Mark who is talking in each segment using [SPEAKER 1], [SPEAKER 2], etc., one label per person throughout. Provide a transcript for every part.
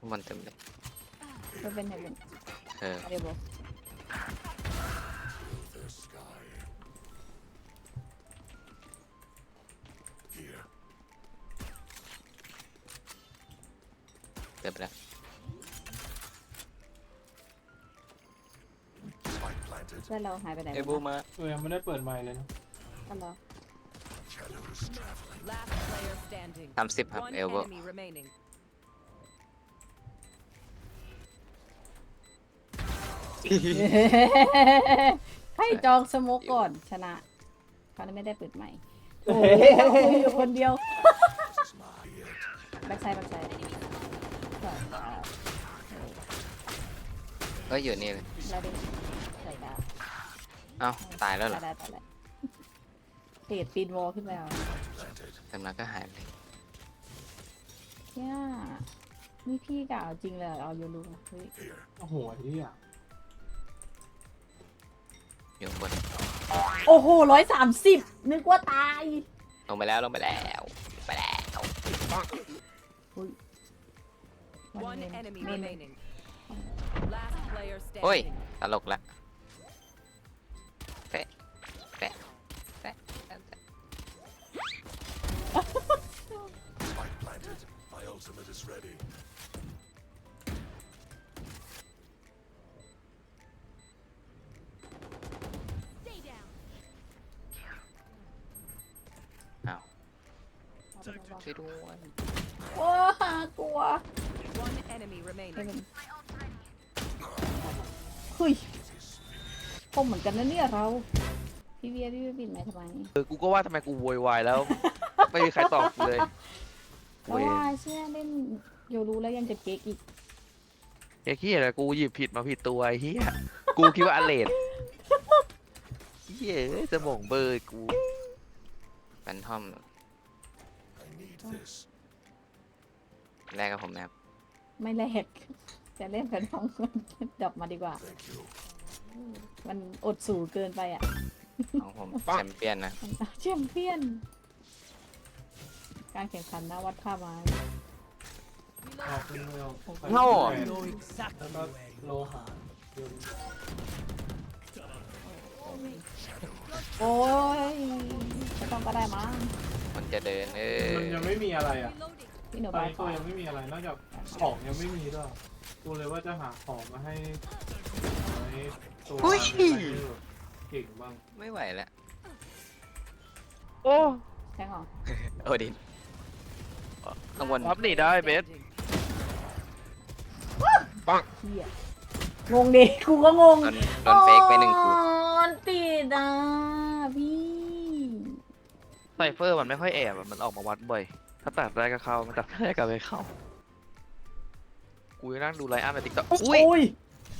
[SPEAKER 1] มันเต็มเลย
[SPEAKER 2] เป็นเห็นเป็นเดี๋ยวบอก
[SPEAKER 1] เต็มแล้ว
[SPEAKER 2] แล้วเราหายไปไหน
[SPEAKER 1] ไอ้บูมา
[SPEAKER 3] ยังไม่ได้เปิดไมค์เลยนะ
[SPEAKER 2] อ๋อเหรอ
[SPEAKER 1] 30ครับเอลโบ
[SPEAKER 2] ให้จองสโมกก่อนชนะเขาไม่ได้เปิดใหม่โอ้ยคุยอยู่คนเดียวแบ็คไซด์
[SPEAKER 1] ก็อยู่นี่เลย
[SPEAKER 2] แล้วดิใส่ดาว
[SPEAKER 1] เอ้าตายแล้วเหรอ
[SPEAKER 2] ตายเตะปีนวอลขึ้นไปเอา
[SPEAKER 1] แต่มันก็หายไป
[SPEAKER 2] เนี่ยนี่พี่กะเอาจริงเลยเอาโยรูเฮ้ย
[SPEAKER 3] โอ้โหที่อ่ะ
[SPEAKER 1] อยู่บน
[SPEAKER 2] โอ้โห130นึกว่าตาย
[SPEAKER 1] ลงไปแล้วไปแล้ว
[SPEAKER 4] One enemy remaining. Last player
[SPEAKER 1] โอ้ย
[SPEAKER 4] standing.
[SPEAKER 1] ตลกละแปะแปะแปะแปะ
[SPEAKER 5] Spike planted. My ultimate is ready.
[SPEAKER 1] อ้าวช่วยด้วย
[SPEAKER 2] โอ้กลัว
[SPEAKER 4] One enemy remaining.
[SPEAKER 2] เฮ้ยคมเหมือนกันนะเนี่ยเราพี่เวียบินไหมทำไม
[SPEAKER 6] กูก็ว่าทำไมกูโวยวายแล้ว ไม่มีใครตอบกูเลย
[SPEAKER 2] เพราะว่าเชื่อเล่นโยรู้แล้วยังจะเก๊กอีก
[SPEAKER 6] ไอ้เหี้ยอะไรกูหยิบผิดมาผิดตัวไอ้เหี้ยกูคิดว่าอเลดเหี้ยจะบ่งเบอร์กู
[SPEAKER 1] แฟนทอม
[SPEAKER 5] I need this.
[SPEAKER 1] แรกกับผมนะครับ
[SPEAKER 2] ไม่แลกจะเล่นแฟนทองดรอปมาดีกว่า
[SPEAKER 5] Thank you.
[SPEAKER 2] มันอดสูเกินไปอ่ะ
[SPEAKER 1] ของผมแชมเปี้ยนนะ
[SPEAKER 2] แชมเปี้ยน การแข่งขันนะวัดค่าไม้
[SPEAKER 3] ออกเป็นเร็ว
[SPEAKER 1] โง่
[SPEAKER 3] แล้วก็โลหะ
[SPEAKER 2] โอ้ยไม่ต้องก็ได้มั้ง
[SPEAKER 1] มันจะเดิน
[SPEAKER 3] มันยังไม่มีอะไรอ่ะ
[SPEAKER 2] พี่หนู
[SPEAKER 3] ตอน
[SPEAKER 2] บาย
[SPEAKER 3] นี้
[SPEAKER 2] ก่
[SPEAKER 3] กู
[SPEAKER 2] อน
[SPEAKER 3] ยังไม่มีอะไรนอกจากของยังไม่มีด้วยกูเลยว่าจะหาของมาให้ตัวเก่งบ้าง
[SPEAKER 1] ไม่ไหวแล้ว
[SPEAKER 6] โอ้
[SPEAKER 2] แทงเหรอ
[SPEAKER 1] โอดินข้างบน
[SPEAKER 6] พับหนีได้เบส
[SPEAKER 2] เฮียงงดิกูก็งง
[SPEAKER 1] โดนเฟกไปหนึ่งกู
[SPEAKER 2] อ๋อติดอ่ะพี่
[SPEAKER 6] ไซเฟอร์มันไม่ค่อยแอบอะมันออกมาวัดบ่อยถ้าตัดได้ก็เข้ามันตัดไม่ได้ก็ไม่เข้ากูยังนั่งดูไลน์อัพในติ๊กต็อกอุ้ย
[SPEAKER 2] โอ้ย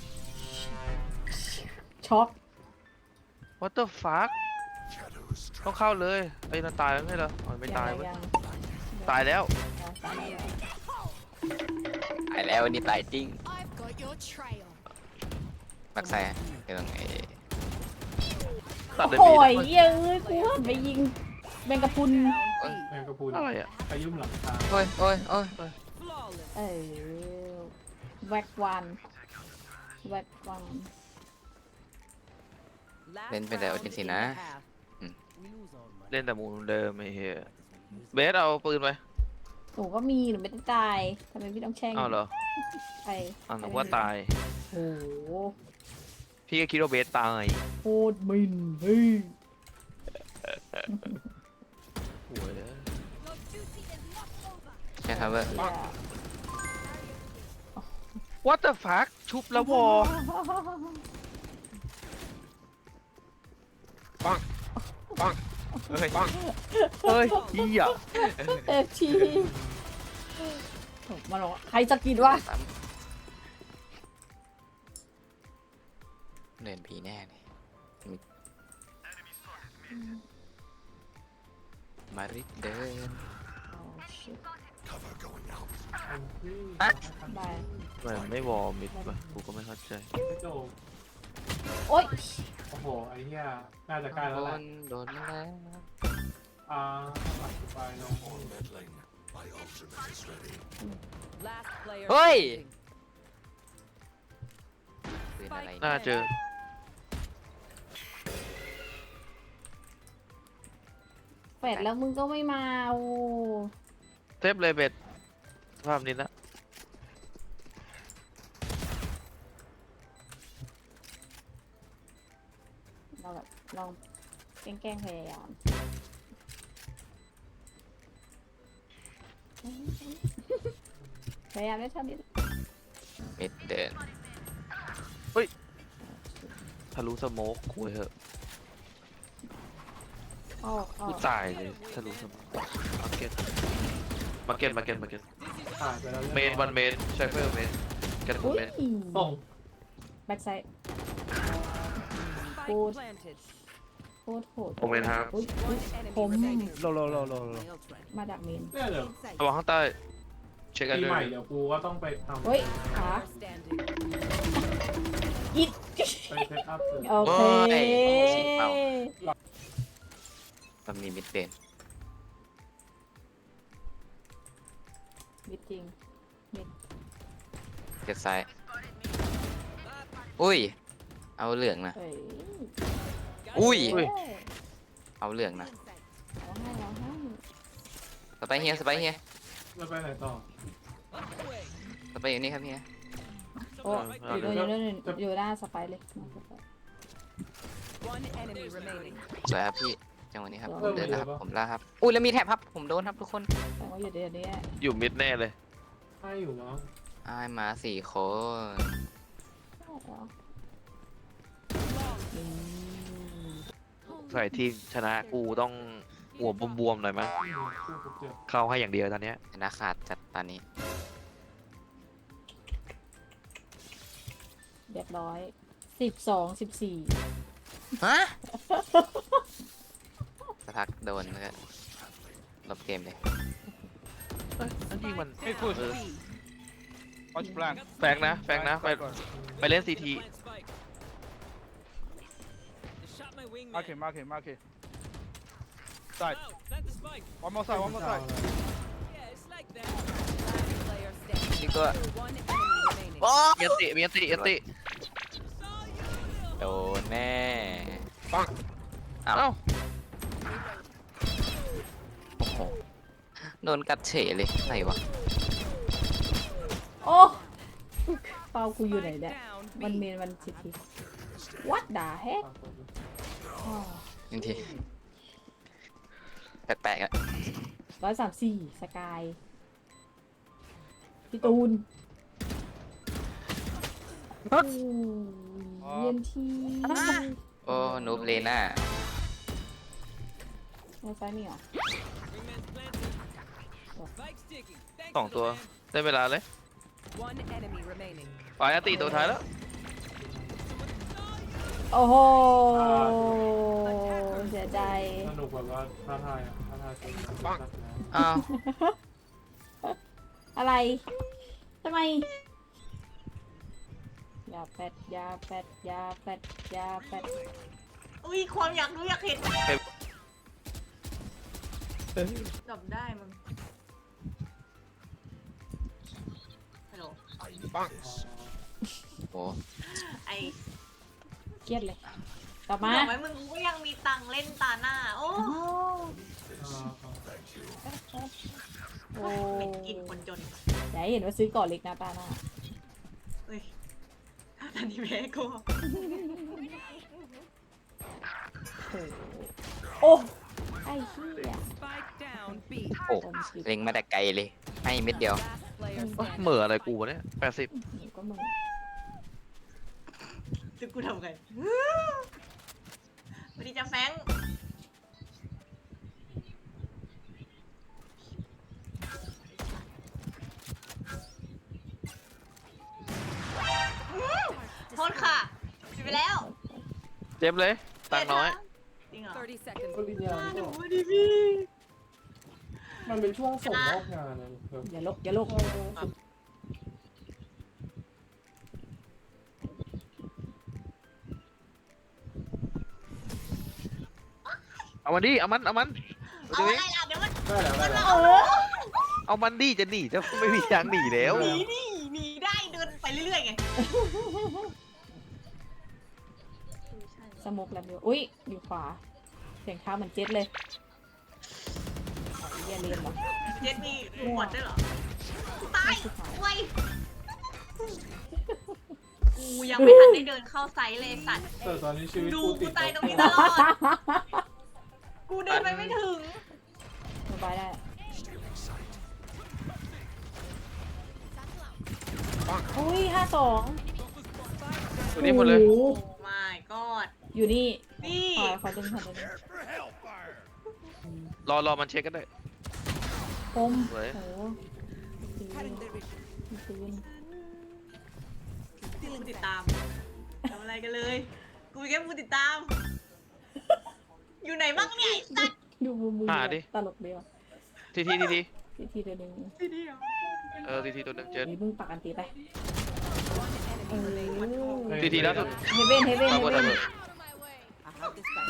[SPEAKER 2] ช็อก
[SPEAKER 6] what the fuck
[SPEAKER 5] Shadows
[SPEAKER 6] ต้องเข้าเลยไอ้นั่นตายแล้วไม่ใช่เหรออ๋อไม่ตายเว้ยตายแล้ว
[SPEAKER 2] ตายแล้ว
[SPEAKER 1] ตายแล้วนี่ตายจริง
[SPEAKER 7] I've got your trail.
[SPEAKER 1] ปักใส่เรื่องไอ้
[SPEAKER 6] ตัดเลย
[SPEAKER 2] โอ้
[SPEAKER 6] บี
[SPEAKER 2] ยเย้ยกูหันไปยิงแมงกะพรุน
[SPEAKER 3] แมงกะพรุน
[SPEAKER 6] อะไรอ่ะ
[SPEAKER 3] ขยุ่มหลังคา
[SPEAKER 1] โอ้ยโอ้ยโอ้ย
[SPEAKER 4] Flawless.
[SPEAKER 2] เออแวกวันแวกวัน
[SPEAKER 4] Last
[SPEAKER 1] เล่นเป็นแต่โอ
[SPEAKER 4] round
[SPEAKER 1] จินสิ
[SPEAKER 4] in
[SPEAKER 1] นะ
[SPEAKER 4] the half.
[SPEAKER 6] เล่นแต่มูลเดิมไอ้เหี้ยเบสเอาปืนไป
[SPEAKER 2] หนูก็มีหนูไม่ได้ตายทำไมพี่ต้องแช่ง
[SPEAKER 6] อ้าวเหรอ
[SPEAKER 2] ไป
[SPEAKER 6] อ้าวนึกว่าตาย
[SPEAKER 2] โอ้โห
[SPEAKER 6] พี่ก็คิดว่าเบสตาย
[SPEAKER 2] โคตรมินเฮ้ย
[SPEAKER 6] โว้ย
[SPEAKER 7] Your duty is not over.
[SPEAKER 1] ใช่ครับว่า
[SPEAKER 2] เหี้ย
[SPEAKER 6] what the fuck ชุบแล้ววอปังปังเฮ้ยปังเฮ้ยเหี้ย
[SPEAKER 2] เอฟทีมาหรอกใครจะกินวะ
[SPEAKER 1] เดินผีแน่เลยมาริเดิน
[SPEAKER 5] cover going out.
[SPEAKER 2] บาย
[SPEAKER 6] มันไม่วอมิดป่ะกูก็ไม่เข้าใจ
[SPEAKER 3] ไม่โจม
[SPEAKER 2] โอ๊ย
[SPEAKER 3] โอ้โหไอ้เหี้ยน่าจะใกล้แล้วแหละ
[SPEAKER 1] โดนแล้ว
[SPEAKER 3] ปัดไปลง
[SPEAKER 5] On meddling. My ultimate is ready.
[SPEAKER 4] Last player
[SPEAKER 1] Oi!
[SPEAKER 4] standing.
[SPEAKER 1] ปืนอะไร
[SPEAKER 6] น่าเจอ
[SPEAKER 2] แปดแล้วมึงก็ไม่มาโอ้
[SPEAKER 6] เทปเลยเบ็ดสภาพนี้นะ
[SPEAKER 2] เราแบบลองแกล้งๆพยายาม พยายามได้เท่านี้
[SPEAKER 1] มิดเดิน
[SPEAKER 6] ทะลุสโมกคุยเหอะ
[SPEAKER 2] ออกออ
[SPEAKER 6] กู
[SPEAKER 2] ก
[SPEAKER 6] ตายเลยทะลุสโมกมาเก็ตมาเก็ตมาเก็ตมาเก็ต
[SPEAKER 3] ผ่านไปแล้ว
[SPEAKER 6] เมนวันเมนไชเฟอร์เมนเก็ต
[SPEAKER 2] อุ้ย
[SPEAKER 6] เมน
[SPEAKER 3] ส่ง
[SPEAKER 2] แบ็กไซด์
[SPEAKER 4] Spike
[SPEAKER 2] Good.
[SPEAKER 4] planted.
[SPEAKER 2] โคตรโหด
[SPEAKER 6] ผมเมนครับ
[SPEAKER 2] อุ้ย
[SPEAKER 4] One enemy
[SPEAKER 2] Home.
[SPEAKER 4] remaining.
[SPEAKER 8] โล
[SPEAKER 2] มาดักเมน
[SPEAKER 3] เนี่ยเดี๋ยว
[SPEAKER 6] ระวังข้างใต้เช็คกัน
[SPEAKER 3] ปี
[SPEAKER 6] ด้ว
[SPEAKER 3] ใหม่
[SPEAKER 6] ย
[SPEAKER 3] เดี๋ยวกูก็ต้องไปทำ
[SPEAKER 2] เฮ้ยขา
[SPEAKER 4] Player standing.
[SPEAKER 2] อิด
[SPEAKER 3] ไปเซตอัพเลย
[SPEAKER 2] โอเค
[SPEAKER 1] ฉีกเป้ามันมีมิดเดิน
[SPEAKER 2] มิดจริง
[SPEAKER 1] เจ็ดซ้ายอุ้ย เอาเหลืองนะ
[SPEAKER 2] เฮ้ย
[SPEAKER 1] อุ้ย
[SPEAKER 2] เฮ้ย
[SPEAKER 1] เอาเหลืองนะ
[SPEAKER 2] เอาให้เอาให้
[SPEAKER 1] สไปเฮียสไปเฮีย
[SPEAKER 3] แล้วไปไหนต่อ
[SPEAKER 1] สไปอยู่นี่ครับเฮีย
[SPEAKER 2] โอ้อยู่หน้าสไปร์เลยหน้าสไปร์
[SPEAKER 4] One enemy remaining.
[SPEAKER 1] สวยครับพี่ จังหวะนี้ครับ
[SPEAKER 2] เออ
[SPEAKER 1] ผมเดินแล้วครับ ผมล่าครับ อุ้ยแล้วมีแท็บครับ ผมโดนครับทุกคน
[SPEAKER 2] แต่ว่าอยู่เดี๋ยวนี้
[SPEAKER 6] อยู่มิดแน่เลย
[SPEAKER 3] ให้อยู่เนาะ
[SPEAKER 1] อ้ายมา4 คน
[SPEAKER 2] อืม
[SPEAKER 6] ใส่ทีมชนะกูต้องหัวบวมๆหน่อยมั้ย
[SPEAKER 3] คู่กับเจ็บ
[SPEAKER 6] เข้าให้อย่างเดียวตอนเนี้ย
[SPEAKER 1] ชนะขาดจัดตอนนี้
[SPEAKER 2] เรียบร้อย12 14
[SPEAKER 1] ฮะ สักพักโดนแล้วก็ลบเกมเลย
[SPEAKER 6] เอ้ยอันนี้มัน
[SPEAKER 8] Hey, push.
[SPEAKER 6] เออ
[SPEAKER 8] Watch blank.
[SPEAKER 6] แฟกนะแฟกนะไปเล่นซีที
[SPEAKER 8] Mark it, mark it, mark it. Side. One more side, one more side.
[SPEAKER 4] Last player standing.
[SPEAKER 1] นี่ก็
[SPEAKER 4] One enemy remaining.
[SPEAKER 1] โอ้
[SPEAKER 6] มีอันติมีอันติอันติ
[SPEAKER 1] โดนแน่
[SPEAKER 6] ปัง
[SPEAKER 1] อ้าว
[SPEAKER 6] เอ้า
[SPEAKER 1] โอ้โห โดนกัดเฉยเลยไหนวะ
[SPEAKER 2] โอ้เป้ากูอยู่ไหน
[SPEAKER 4] Spike
[SPEAKER 2] เนี่ย
[SPEAKER 4] down.
[SPEAKER 2] มัน
[SPEAKER 4] B.
[SPEAKER 2] เมนมันชิที What the heck
[SPEAKER 1] หนึ่งที แปลกๆอ่ะ
[SPEAKER 2] 134สกายพี่ตูนโอ้ยเย็นที
[SPEAKER 1] โอ้นูบเลน่า
[SPEAKER 2] ในซ้ายมีเหรอ
[SPEAKER 6] สองตัวได้เวลาเลย
[SPEAKER 4] One enemy remaining.
[SPEAKER 6] ฝ่ายอันติตัวท้ายแล้ว
[SPEAKER 2] โอ้โหเสียใจ
[SPEAKER 3] สนุกแบบว่าท้าทายอ่ะท้าทายจริงนะ
[SPEAKER 1] อ้าว
[SPEAKER 2] อะไรทำไมยาแปดยาแปดยาแปดยาแปด
[SPEAKER 9] อุ้ยความอยากรู้อยากเห็นจบได้มึงฮัลโหล
[SPEAKER 1] โอ้
[SPEAKER 9] ไอ
[SPEAKER 2] เครียดเลยกลับมา
[SPEAKER 9] บอกไหมมึงก็ยังมีตังค์เล่นตาหน้า โอ้
[SPEAKER 2] โอ้
[SPEAKER 9] เหม็นกินคนจน
[SPEAKER 2] อย่าให้เห็นว่าซื้อก่อนเล็กนะตาหน้า
[SPEAKER 9] เฮ้ยอันนี้แม่กู
[SPEAKER 2] โอ้ไอ้เหี้ย
[SPEAKER 4] Spike down. B.
[SPEAKER 1] โอ้เล็งมาแต่ไกลเลย ให้เม็ดเดียว
[SPEAKER 4] Last player
[SPEAKER 6] เอ้ย
[SPEAKER 4] standing.
[SPEAKER 6] เหม่ออะไรกูวะเนี่ย80
[SPEAKER 2] หนูก็มึง
[SPEAKER 9] จะกูทำไงสวัสดีจ้าแฟงโทษค่ะผิดไปแล้ว
[SPEAKER 6] เจ็บเลยตังค์น้อย
[SPEAKER 9] จริงเหรอ
[SPEAKER 4] 30 seconds.
[SPEAKER 3] ปริญญา
[SPEAKER 9] หนู
[SPEAKER 3] ก็
[SPEAKER 9] ดิพี่
[SPEAKER 3] มันเป็นช่วงส่งมอบงานนะแบบ
[SPEAKER 2] อย่าลกอย่าลก
[SPEAKER 6] เอามันดิเอามัน
[SPEAKER 9] เอาอะไรล่ะเดี๋ยวมัน
[SPEAKER 3] ได้แล้วได้แล้ว
[SPEAKER 9] เอา
[SPEAKER 6] เอามันดิจะหนีจะไม่มีทางหนีแล้ว
[SPEAKER 9] หนีนี่หนีได้เดินไปเรื่อยๆไง
[SPEAKER 2] สโมกแล้วเดียวอุ้ยอยู่ขวาเสียงเท้าเหมือนเจ็ตเลยเรียนเรียนเหรอ
[SPEAKER 9] เจ็ดมีหมดด้วยเหรอตายเว้ยกูยังไม่ทันได้เดินเข้าไซส์เลยสัตว์
[SPEAKER 3] แต่ตอนนี้ชีวิต
[SPEAKER 9] ดู
[SPEAKER 3] กู
[SPEAKER 9] กู
[SPEAKER 3] ติด
[SPEAKER 9] ตายตรงนี้ตลอด กูเดินไปไม่ถึง
[SPEAKER 2] สบายได้อุ้ย52
[SPEAKER 6] ตัวนี้หมดเลย
[SPEAKER 2] โอ้โห
[SPEAKER 9] โอ้ my god
[SPEAKER 2] อยู่นี่
[SPEAKER 9] นี่
[SPEAKER 2] ขอดึง
[SPEAKER 5] Prepare for hellfire.
[SPEAKER 6] รอมันเช็คกันได้
[SPEAKER 2] ปม
[SPEAKER 6] สวย
[SPEAKER 2] โอ้โหมีปืน
[SPEAKER 9] ที่มึงติดตามทำอะไรกันเลย กูแค่มึงติดตาม อยู่ไหนบ้างเนี่ยไอ้สัตว์
[SPEAKER 2] ดูมือ
[SPEAKER 6] หาดิ
[SPEAKER 2] ตลกเดียว
[SPEAKER 6] ที
[SPEAKER 2] ทีเดียวหนึ่ง
[SPEAKER 9] ที่เดียว
[SPEAKER 6] ทีตัวหนึ่งเจ็ด
[SPEAKER 2] นี่มึงปักอันตีไปเออ
[SPEAKER 6] ทีล่าสุด
[SPEAKER 2] เฮเว่นเฮเว่น
[SPEAKER 6] เอา
[SPEAKER 2] เฮ
[SPEAKER 6] หมด
[SPEAKER 2] เว่
[SPEAKER 6] เอา
[SPEAKER 2] น
[SPEAKER 6] หมด
[SPEAKER 4] I have the spike.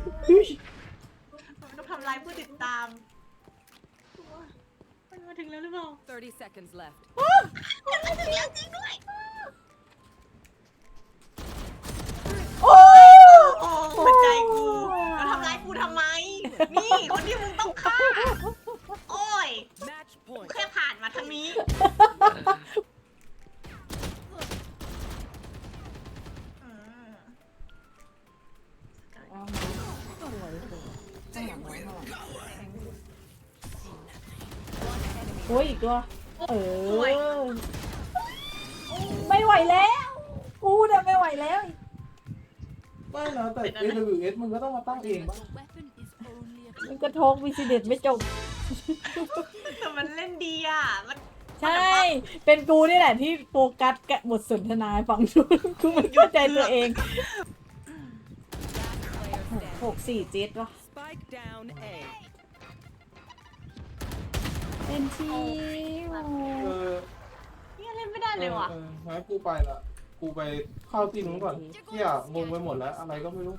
[SPEAKER 9] มันต้องทำลายผู้ติดตามมันมาถึงแล้วหรือเปล่า
[SPEAKER 4] 30 seconds left.
[SPEAKER 9] มันมาถึงแล้วจริงด้วย
[SPEAKER 2] โอ้
[SPEAKER 9] โอ้หัวใจกูมันทำร้ายกูทำไม นี่คนที่มึงต้องฆ่า โอ้ย
[SPEAKER 4] Match point.
[SPEAKER 9] แค่ผ่านมาทางนี้อืม
[SPEAKER 2] เอาสวยข้างหลังข้างหลังโอ้ยอีกตัวเออไม่ไหวแล้วกูเนี่ยไม่ไหวแล้ว
[SPEAKER 3] ไม่นะแต่ AWS มึงก็ต้องมาตั้งเองป่ะ
[SPEAKER 2] มันกระทงวิสิเดตไม่จบ
[SPEAKER 9] แต่มันเล่นดีอ่ะ มัน
[SPEAKER 2] ใช่ เป็นกูนี่แหละที่โฟกัสกับบทสนทนาให้ฟังดูกูไม่เข้าใจตัวเอง 6-4-7วะ
[SPEAKER 4] Spike down A.
[SPEAKER 2] เป็นทีโอ้
[SPEAKER 3] เออ
[SPEAKER 9] เนี่ยเล่นไม่ได้เลยว่ะ
[SPEAKER 3] งั้นกูไปละกูไปเข้าที่นู้นก่อนเที่ยงงไปหมดแล้ว อะไรก็ไม่รู้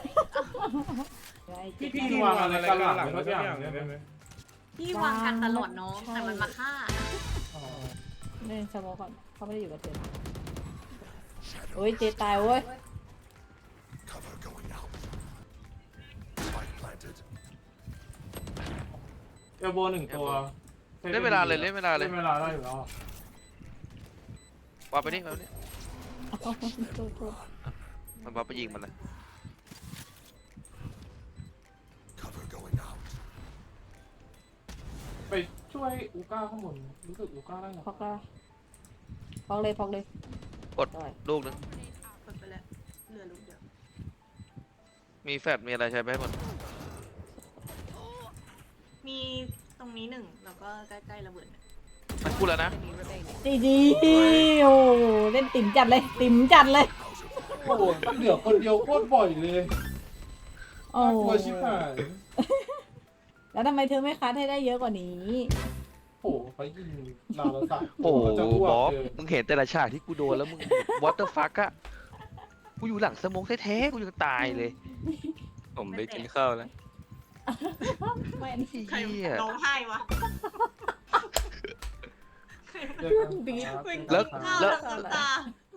[SPEAKER 3] พี่วางอะไรกันหลังทุกอย่างได้ไหม
[SPEAKER 9] พี่วางกันตลอดน้องแต่มันมาฆ่า
[SPEAKER 3] อ๋อ
[SPEAKER 2] เล่นสโมก่อนเขาไม่ได้อยู่กับเธอโอ้ยเจตายเว้ย
[SPEAKER 5] Cover going out. Spike planted.
[SPEAKER 3] เอลโบหนึ่งตัว
[SPEAKER 6] เล่นเวลาเลยเล่นเวลาเลย
[SPEAKER 3] เล่นเวลาได้อยู่แล้ว
[SPEAKER 6] วางไปนี่วางไปนี่
[SPEAKER 2] โทษ
[SPEAKER 6] มันวางไปยิงมันเลย
[SPEAKER 5] Cover going out.
[SPEAKER 3] ไปช่วยอูก้าข้างบนรู้สึกอูก้าได้หรอ
[SPEAKER 2] พอกละพอกเลยพอกเลย
[SPEAKER 6] กด
[SPEAKER 2] ได้
[SPEAKER 6] ลูกหนึง
[SPEAKER 9] เปิดไปแล้วเหลือลูกเดียว
[SPEAKER 6] มีแฟดมีอะไรใช้ไปให้หมด
[SPEAKER 9] มีตรงนี้หนึ่งแล้วก็ใกล้ๆระเบิดเนี่ย
[SPEAKER 6] มันกูแล้วนะ
[SPEAKER 4] Enemy remaining.
[SPEAKER 2] ดีโอ้เล่นติ๋มจัดเลยติ๋มจัดเลย
[SPEAKER 3] โอ้โหเหลือคนเดียวโคตรบ่อยเลย
[SPEAKER 2] โอ้
[SPEAKER 3] น่ากลัวชิบหาย
[SPEAKER 2] แล้วทำไมเธอไม่คัดให้ได้เยอะกว่านี้
[SPEAKER 3] โอ้โหเขายิงเราแล้วสัตว์
[SPEAKER 6] โอ้โห
[SPEAKER 3] จะอ้ว
[SPEAKER 6] บ
[SPEAKER 3] ก
[SPEAKER 6] อส
[SPEAKER 3] เลย
[SPEAKER 6] มึงเห็นแต่ละฉากที่กูโดนแล้วมึงวอเตอร์ฟักอะกูอยู่หลังสโมองแท้ๆกูยังตายเลย
[SPEAKER 1] ผมไปกินข้าวแล้ว
[SPEAKER 2] ไม่
[SPEAKER 9] ใคร
[SPEAKER 6] เหี้ย
[SPEAKER 9] ร้องไห้วะ
[SPEAKER 3] เจอกันครับ
[SPEAKER 9] วิ่ง
[SPEAKER 6] แล้ว
[SPEAKER 9] ข้าว
[SPEAKER 6] แล้ว
[SPEAKER 9] ทั้งน้ำตา